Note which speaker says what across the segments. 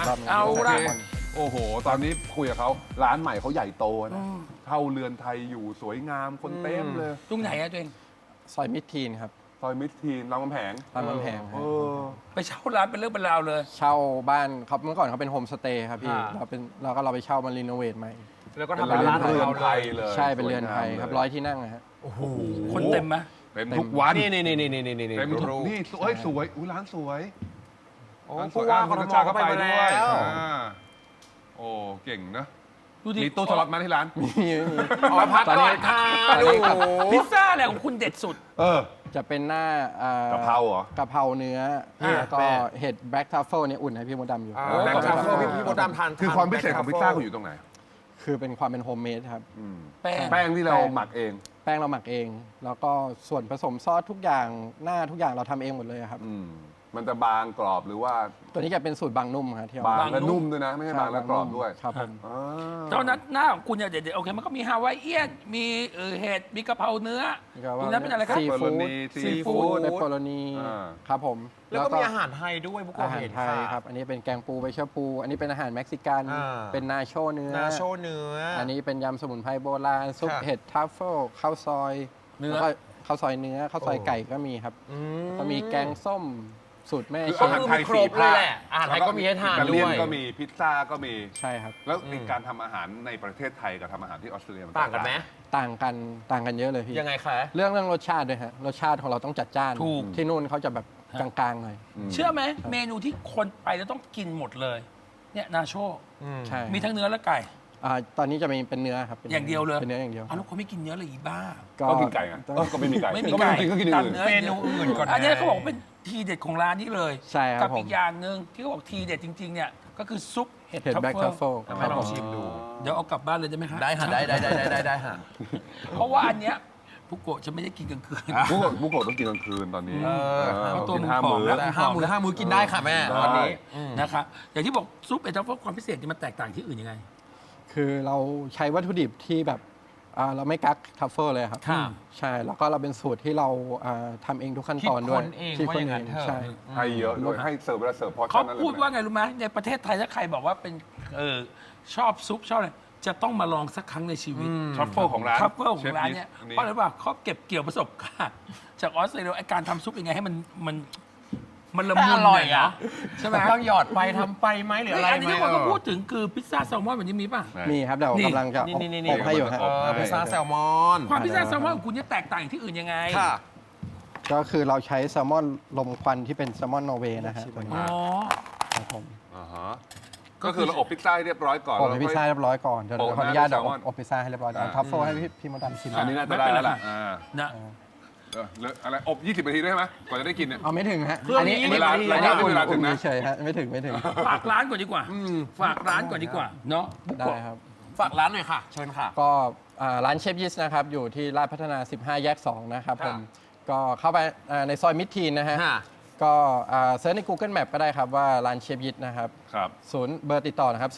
Speaker 1: รอบหนึง
Speaker 2: เอา
Speaker 3: โอ
Speaker 2: ละ
Speaker 3: เคโอ้โห ตอนนี้คุยกับเขาร้านใหม่เขาใหญ่โตนะเข้าเรือนไทยอยู่สวยงามคนเต็มเลย
Speaker 2: ตรงไหนอะตัวเอง
Speaker 1: ซอยมิดทีนครับ
Speaker 3: ซอยมิตรทีนรามคำแหง
Speaker 1: รามคำแหง
Speaker 3: เออ
Speaker 2: ไปเช่าร้านเป็นเรื่องเป็นราวเลย
Speaker 1: เช่าบ้านเขาเมื่อก่อนเขาเป็นโฮมสเตย์ครับพี่
Speaker 4: อ่า
Speaker 1: เราไปเช่ามารีโนเวทใหม่
Speaker 4: แล้วก็
Speaker 3: เป็น
Speaker 4: ทำเป็นร้าน
Speaker 3: เรือน
Speaker 4: ของ
Speaker 3: ไท
Speaker 4: เรา
Speaker 3: ย
Speaker 4: เลย
Speaker 3: เลย
Speaker 1: ใช่เป็นเรือนไทยครับ
Speaker 3: สวงาม
Speaker 1: 100 ที่นั่งนะฮะ
Speaker 4: โอ้โห
Speaker 2: คนเต็มไหม
Speaker 3: เต็มทุกวัน
Speaker 4: นี่นี่
Speaker 3: เต็มทุกนี่สวยสวยอุ้ยร้านสวย
Speaker 4: โอ้
Speaker 3: ร้านส
Speaker 4: ผู้
Speaker 3: วย
Speaker 4: ว่า
Speaker 3: อ่ะ
Speaker 4: ก
Speaker 3: คุณ
Speaker 4: ท
Speaker 3: นัช
Speaker 4: ม
Speaker 3: ชา
Speaker 4: ก็
Speaker 3: ก็
Speaker 4: ไป
Speaker 3: ไป
Speaker 4: มา
Speaker 3: ด้
Speaker 4: แล้ว
Speaker 3: ยว โอ้เก่งนะ
Speaker 2: ดูดิ
Speaker 3: มีตู้สล็อตมาที่ร้าน
Speaker 1: มี
Speaker 4: อ๋อพักก่อนค่ะ
Speaker 1: ตอน
Speaker 4: ดู
Speaker 1: นี้ครับ
Speaker 2: พิซซ่าอะไรของคุณเด็ดสุด
Speaker 3: เออ
Speaker 1: จะเป็นหน้าก
Speaker 3: ะเพราเหรอ
Speaker 1: กะเพราเนื้อแล้วก็เห็ดแบล็กทัฟเฟิลเนี่ยอุ่นให้พี่มดดำอยู่
Speaker 4: แบล็คทรัฟเฟิล
Speaker 3: โอ้
Speaker 4: พี่มดดำทาน
Speaker 3: คือความพิเศษของพิซซ่าคุณอยู่ตรงไหน
Speaker 1: คือเป็นความเป็นโฮมเมดครับ
Speaker 3: อืม
Speaker 2: แป้ง
Speaker 3: แป้งที่เราหมักเอง
Speaker 1: แป้งเราหมักเอง แล้วก็ส่วนผสมซอสทุกอย่างหน้าทุกอย่างเราทำเองหมดเลยครับ
Speaker 3: อืมมันจะบางกรอบหรือว่า
Speaker 1: ตัวนี้จะเป็นสูตรบางนุ่มครับที่เอ
Speaker 3: บาง
Speaker 2: บาง
Speaker 3: และ
Speaker 2: นุ่
Speaker 3: นุ่
Speaker 2: ม
Speaker 3: มด้วยนะ ไม่ใช่บางและกรอบด้วย
Speaker 1: ครับผม
Speaker 3: อ่า
Speaker 2: ตอนนั้นหน้าของคุณเนี่ยเด็ดๆโอเคมันก็มีฮาวายเอียนมีเห็ดมีกะเพราเนื้อตรงนั้นเป็นอะไรครับ
Speaker 1: ซีฟู้ด
Speaker 3: ซีฟู้ด
Speaker 1: เปปเปอโรนี
Speaker 3: อ่า
Speaker 1: ครับผม
Speaker 4: แล้วก็มีอาหารไทยด้วยบุกโก
Speaker 1: อาหาร
Speaker 4: เห็น
Speaker 1: ไทยครับ อันนี้เป็นแกงปูใบเชอปู อันนี้เป็นอาหารเม็กซิกัน
Speaker 4: อ่า
Speaker 1: เป็นนาโชเนื้อ
Speaker 4: นาโชเนื้อ
Speaker 1: อั
Speaker 4: อั
Speaker 1: นนี้เป็นยำสมุนไพรโบราณ ซุป
Speaker 4: ค่ะ
Speaker 1: เห็ดทัฟเฟิลข้าวซอย
Speaker 2: เนื้อ
Speaker 1: แล้วก็ข้าวซอยเนื้อข้าวซอย
Speaker 4: โอ้
Speaker 1: ไก่ก็มีครับก็มีแกงส้มสูตรแม่
Speaker 3: คือ
Speaker 1: เช
Speaker 3: อาหาร
Speaker 1: ฟ
Speaker 3: ไทย
Speaker 4: คร
Speaker 3: สี่
Speaker 4: บเลย
Speaker 3: ภาค
Speaker 4: แหละอาหารไทยก็มีให้ทาน
Speaker 3: อิตเลี
Speaker 4: ด้
Speaker 3: ย
Speaker 4: วย
Speaker 3: ก็มีพิซซ่าก็มี
Speaker 1: ใช่ครับ
Speaker 3: แล้วในการทำอาหารในประเทศไทยกับทำอาหารที่ออสเตรเลียมัน
Speaker 4: ต่างกันไหม
Speaker 1: ต่างกันเยอะเลยพี่
Speaker 4: ยังไงคะ
Speaker 1: เรื่องรสชาติด้วยฮะ รสชาติของเราต้องจัดจ้าน
Speaker 2: ถูก
Speaker 1: ที่นู่นเขาจะแบบกลางๆหน่อย
Speaker 2: เชื่อไหมเมนูที่คนไปแล้วต้องกินหมดเลยเนี่ยนาโช
Speaker 1: ใช่
Speaker 2: มีทั้งเนื้อและไก่
Speaker 1: ตอนนี้จะมีเป็นเนื้อครับป็น
Speaker 2: อย่างเดียวเลย
Speaker 1: เป็นเนื้ออย่างเดียว
Speaker 2: อ้าวแล้วคนไม่กินเนื้อเลยอีบ้า
Speaker 3: ก็กินไก่ไงก็ไม่มีไก่
Speaker 2: ไม่มี
Speaker 3: ก็ไม่
Speaker 2: ไก่
Speaker 3: ต้องกินก็กินอย่างอื่น
Speaker 2: ตัด
Speaker 4: เมนูอื่นก่อนนะ
Speaker 2: อันนี้เขาบอกว่าเป็นทีเด็ดของร้านนี้เลย
Speaker 1: ใช่ครับ
Speaker 2: กับ
Speaker 1: ผม
Speaker 2: อีกอย่างหนึ่งที่เขาบอกทีเด็ดจริงๆเนี่ยก็คือซุปเห็ด
Speaker 1: เห็ด
Speaker 2: ทัฟ
Speaker 1: แบล็ก
Speaker 2: เฟิ
Speaker 1: ทั
Speaker 2: ล
Speaker 1: ฟเฟิล
Speaker 4: ให้ลองชิมดู
Speaker 2: เดี๋ยวเอากลับบ้านเลยได้ไหมครับ
Speaker 4: ได้ค่ะได้ค่ะ
Speaker 2: เพราะว่าอันเนี้ยพุกโกะจะไม่ได้กินกลางคืน
Speaker 3: บุกโกะต้องกินกลางคืนตอนนี้
Speaker 2: เพราะตัว
Speaker 3: กิน
Speaker 2: มึง
Speaker 3: ห้า
Speaker 2: ผอม
Speaker 3: มื้อ
Speaker 2: แล้ว
Speaker 4: แต่ห้ามื้อกินได้ค่ะแม่
Speaker 3: ได้
Speaker 4: วันนี้
Speaker 2: นะครับอย่างที่บอกซุปเห็ดทัฟเฟิลความพิเศษนี่มันแตกต่างที่อื่นยังไง
Speaker 1: คือเราใช้วัตถุดิบที่แบบเราไม่กักทัฟเฟิลเลยครับ
Speaker 2: ค่ะ
Speaker 1: ใช่ แล้วก็เราเป็นสูตรที่เราทำเองทุกขั้นตอนด้วย
Speaker 4: คิดค้นเองว่าอย่างนั้นเถอะ
Speaker 1: ใช่
Speaker 3: ให้เยอะด้วยให้เสิร์ฟเวลาเสิร์ฟพอ
Speaker 2: เขา
Speaker 3: ชั่นนั้นเลย
Speaker 2: พูดว่าไงรู้ไหมในประเทศไทยถ้าใครบอกว่าเป็นชอบซุปชอบอะไรจะต้องมาลองสักครั้งในชีวิต
Speaker 3: ทรัฟเฟิลของร้าน
Speaker 2: ทรัฟเฟิลของร้านเนี่ย
Speaker 3: ชฟยิป
Speaker 2: เพราะอะไรว่าเขาเก็บเกี่ยวประสบการณ์จากออสเตรเลียไอการทำซุปยังไงให้มันละมุน
Speaker 4: อร่อย
Speaker 2: หน่
Speaker 4: อ่ะ
Speaker 2: ใช่ไหม
Speaker 4: ต้องหยอดไปทำไปไหมหรืออะไร
Speaker 2: อัน
Speaker 4: ไหม
Speaker 2: นี้ที่คนก็พูดถึงคือพิซซ่าแซลมอนแบบนี้มีป่ะ
Speaker 1: มีครับเดี๋ยว
Speaker 2: นี่
Speaker 1: กำลังจะ
Speaker 4: นี่
Speaker 1: อบให้อยู่ฮะ
Speaker 4: พิซซ่าแซลมอน
Speaker 2: ความพิซซ่าแซลมอนของคุณเนี่ยแตกต่างจากที่อื่นยังไง
Speaker 4: ค่ะ
Speaker 1: ก็คือเราใช้แซลมอนลมควันที่เป็นแซลมอนนอร์เวย์นะฮะตัวนี้
Speaker 2: อ๋อ
Speaker 1: ครับผม
Speaker 3: อ่าฮะก็คือเราอบพิซซ่าให้เรียบร้อยก่อน
Speaker 1: อบให้พิซซ่าเรียบร้อยก่อนเดี๋ยว
Speaker 3: โปะ
Speaker 1: ขออนุญาต
Speaker 3: หน้า
Speaker 1: เดี๋ยว
Speaker 3: ด้วยแซลมอน
Speaker 1: อบพิซซ่าให้เรียบร้อยก่อนทัฟเฟิลให้พี่มดดำชิม
Speaker 3: อันนี้น่าจะได้แล้วล่ะ
Speaker 2: นะ
Speaker 3: เหลืออะไรอบ 20 นาทีได้ไหมกว่าจะได้กินเนี่ย
Speaker 1: เอาไม่ถึงฮะ
Speaker 4: เครื่องนี้
Speaker 1: อันนี้
Speaker 3: เวลา
Speaker 1: อันนี้อุ่น
Speaker 3: เวลาถึงนะ
Speaker 1: เฉยๆฮะไม่ถึง
Speaker 2: ฝากร้านก่อนดีกว่าฝากร้านก่อนดีกว่าเนาะบุก
Speaker 1: ได้
Speaker 2: โกะ
Speaker 1: ครับ
Speaker 4: ฝากร้านหน่อยค่ะ เชิญค่ะ
Speaker 1: ก็ร้านเชฟยิสนะครับ อยู่ที่ลาดพัฒนา 15 แยก 2 นะครับผม ก็เข้าไปในซอยมิดทีนนะฮะ
Speaker 4: ค่ะ
Speaker 1: ก็เซิร์ชใน Google Map ก็ได้ครับว่าร้านเชฟยิสนะครับ
Speaker 3: ครับ
Speaker 1: เบอร์ติดต่อนะครับ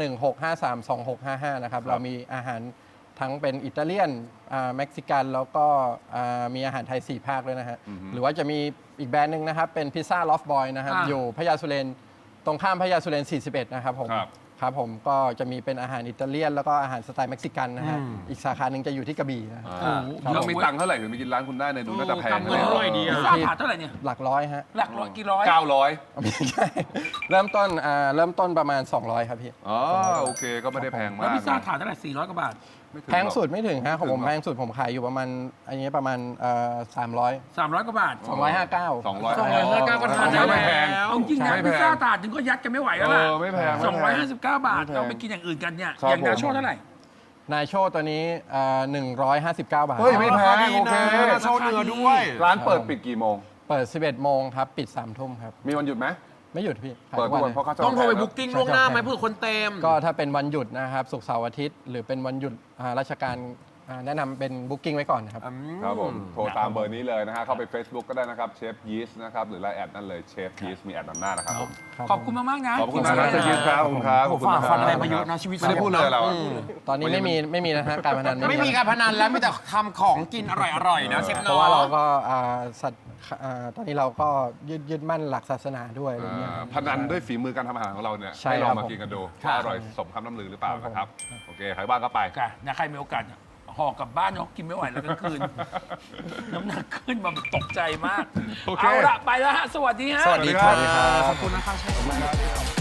Speaker 1: 0616532655 นะครับ เรามีอาหารทั้งเป็นอิตาเลียนเม็กซิกัน แล้วก็มีอาหารไทย 4 ภาคด้วยนะฮะ หรือว่าจะมีอีกแบรนด์หนึ่งนะครับ เป็นพิซซ่าลอฟบอยนะครับ อยู่พญาสุเรนตรงข้ามพญาสุเรน 41 นะครับผม ครับผมก็จะมีเป็นอาหารอิตาเลียน แล้วก็อาหารสไตล์เม็กซิกันนะฮะ อีกสาขาหนึ่งจะอยู่ที่กระบี่นะฮะ
Speaker 3: เรามีตังค์เท่าไหร่ถึงไปกินร้านคุณได้ในยดูน่าจะแพง
Speaker 4: กำเงินเท่าไหร่ดี
Speaker 2: พิซซ่าถาดเท่าไหร่เนี่ย
Speaker 1: หลักร้อยฮะ
Speaker 2: หลักร้อยกี่ร้อย
Speaker 3: 900
Speaker 1: ไม่ใช่เริ่มต้นประมาณ 200 ครับพี่
Speaker 3: อ๋อโอเคก็ไม่ได้แพง
Speaker 2: แล้ว
Speaker 3: มาก
Speaker 2: พิซซ่าถาดเท่าไหร่400 กว่าบาท
Speaker 3: ไม่ถึ
Speaker 1: แพงสุดไม่ถึงฮะของผม
Speaker 3: ไม่ถึงหรอ
Speaker 1: แพงสุดผมขายอยู่ประมาณอันนี้ประมาณ300
Speaker 2: 300 กว่าบาท
Speaker 1: 259
Speaker 3: 200
Speaker 4: 259ก็ทานได้
Speaker 3: ไม่แพง
Speaker 4: แล้ว
Speaker 2: เอาจริงนะ
Speaker 3: ไม่แพง
Speaker 2: พิซซ่าถาดถึงก็ยัดกันไม่ไหวแล้วล่ะ
Speaker 3: ไม่แพง
Speaker 2: 259 บาท เราไปกินอย่างอื่นกันเนี่ย
Speaker 3: ครับ
Speaker 2: อย่างนา
Speaker 3: ผม
Speaker 2: โชเท่าไหร่
Speaker 1: นายโชว์ตัวนี้159 บาท
Speaker 3: เฮ้ยไม่แพง
Speaker 4: ดี
Speaker 3: โอ
Speaker 4: นะ
Speaker 3: เค
Speaker 4: โชว์เนื้อด้วย
Speaker 3: ร้านเปิดปิดกี่โมง
Speaker 1: เปิด 11 โมงครับ ปิด 3 ทุ่มครับ
Speaker 3: มีวันหยุดไหม
Speaker 1: ไม่หยุดพี่ขาย
Speaker 3: เปิด
Speaker 1: ทุก
Speaker 3: ทุก
Speaker 1: วั
Speaker 3: วัน นเพราะเขาจะ
Speaker 4: ต้องโทรไป
Speaker 3: แพง
Speaker 4: บุ๊กกิ้งล่วงหน้าไหมเพื่อคนเต็ม
Speaker 1: ก็ถ้าเป็นวันหยุดนะครับศุกร์เสาร์อาทิตย์ หรือเป็นวันหยุดราชการแนะนำเป็นบุ๊กิ้งไว้ก่อนนะครับ
Speaker 3: ครับผมโทรตามเบอร์นี้เลยนะฮะเข้าไป Facebook ก็ได้นะครับเชฟยีสต์นะครับหรือไลน์แอดนั่นเลยเชฟยีสต์มีแอดนำหน้านะครับผม
Speaker 2: ขอบคุณมากๆนะ
Speaker 3: ขอบคุณมากนะเชฟยีสต์ครับขอบคุณครับ
Speaker 4: โอ้โหฝ่าฟันอะไรมาเยอะนะชีวิต
Speaker 3: ไม่ได้พูดเลยเราอะ
Speaker 1: ตอนนี้ไม่มีนะฮะการพนัน
Speaker 4: ไม่มีการพนันแล้วมีแต่ทำของกินอร่อยๆนะเชฟ
Speaker 1: เพ
Speaker 4: น้อ
Speaker 1: ราะว่าเรา
Speaker 4: ง
Speaker 1: ก็ตอนนี้เราก็ยึดมั่นหลักศาสนาด้วยอะไรเงี้ย
Speaker 3: พนันด้วยฝีมือการทำอาหารของเราเนี่ย
Speaker 1: ใช่
Speaker 3: ให้ลอง
Speaker 1: ครับ
Speaker 3: มากินกันดูว่าอร่อยสมคำน้ำลือหรือเปล่านะครับโอเคใครบ้างก็ไป
Speaker 2: ค่ะนะใครมีโอกาสห่อกลับบ้านเนาะกินไม่ไหวแล้วกลางคืน น้ำหนักขึ้นมาแบบตกใจมาก
Speaker 3: โอเค
Speaker 2: เอาละไปแล้วฮะ สวัสดีฮะ
Speaker 4: สวัสดีครับ
Speaker 1: สวัสดีครับ
Speaker 4: ขอบคุณนะคะเชฟ